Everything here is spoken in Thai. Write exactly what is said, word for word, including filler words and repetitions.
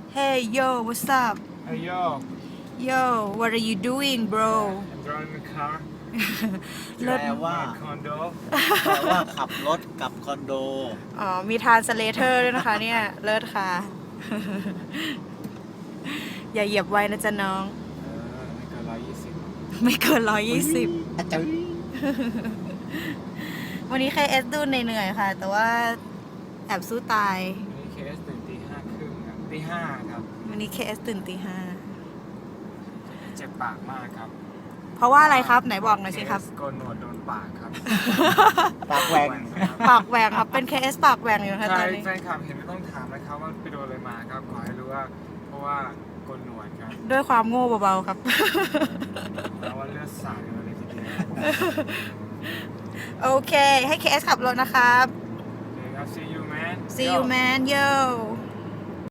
Hey yo what's up Hey yo, yo what are you doing bro I'm driving the car เลิศแปลว่า my condo. แปลว่าขับรถกลับคอนโดอ๋อมีทานสเลเทอร์ด้วยนะคะเนี่ย เลิศค่ะ อย่าเหยียบไว้นะจ๊ะน้องเออไม่เกินร้อยยี่สิบไม่เกินร้อยยี่สิบอาจารย์วันนี้ เค เอส ดูเหนื่อยๆค่ะ แต่ว่าแอบสู้ตายวันนี้เคสตื่นตีห้าครึ่งครับตีห้าครับวันนี้ เค เอส ตื่นตีห้าเจ็บปากมากครับเพราะว่าอะไรครับไหนบอกหน่อยสิครับเคสโกนหนวดโดนปากครับปากแหวงครับปากแหว่งครับ เป็น เค เอส ปากแหว่งอยู่นะคะใช่ตอนนี้แฟนคลับเห็นไม่ต้องถามนะครับว่าไปโดนอะไรมาครับขอให้รู้ว่าเพราะว่าโกนหนวดครับด้วยความโง่เบาๆครับแล้วว่าเลือดสาดมาเลยทีเดียวโอเค ให้ เค เอส ขับรถนะครับโอเคครับ see you man see you man yo